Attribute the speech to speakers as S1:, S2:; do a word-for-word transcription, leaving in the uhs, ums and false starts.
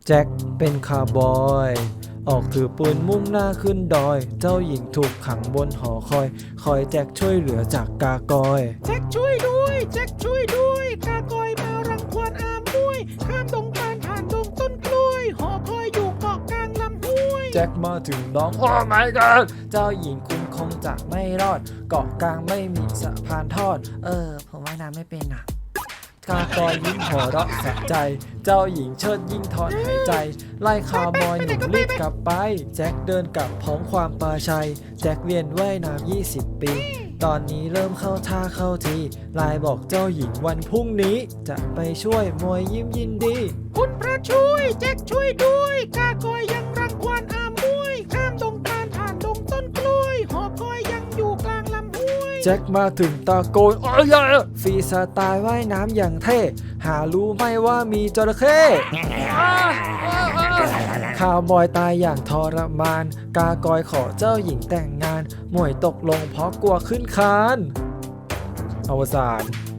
S1: แจ็คเป็นคาร์บอยออกถือปืนมุ่งหน้าขึ้นดอยเจ้าหญิงถูกขังบนหอคอยคอยแจ็คช่วยเหลือจากกากอย
S2: แจ็คช่วยด้วยแจ็คช่วยด้วยกากอยมารังควานอามด้วยข้ามดงตาลผ่านดงต้นกล้วยหอคอยอยู่เกาะกลางลำห้วย
S1: แจ็คมาถึงน้องโอ้ my god เจ้าหญิงคุณคงจะไม่รอดเกาะกลางไม่มีสะพานทอดเออผมว่ายน้ำไม่เป็นอ่ะกากอยยิ้มหัวเราะสะใจเจ้าหญิงเชิดยิ่งถอนหายใจไล่คาร์บอยหนุ่มรีบกลับไปแจ็คเดินกลับพร้อมความปลาชัยแจ็คเรียนว่ายน้ำยี่สิบปีตอนนี้เริ่มเข้าท่าเข้าทีไลน์บอกเจ้าหญิงวันพรุ่งนี้จะไปช่วยมวยยิ้มยินดี
S2: คุณพระช่วยแจ็คช่วยด้วยกากอยยังรังควานอามด้วยข้ามดงตาลผ่านดงต้นกล้วยหอคอยยังอยู่กลางลำห้วย
S1: แจ็คมาถึงตะโกนโอ้ยฟรีสไตล์ว่ายน้ำอย่างเท่หารู้ไหมว่ามีจระเข้คาวบอยตายอย่างทรมานกากอยขอเจ้าหญิงแต่งงานหมวยตกลงเพราะกลัวขึ้นคานอวสาน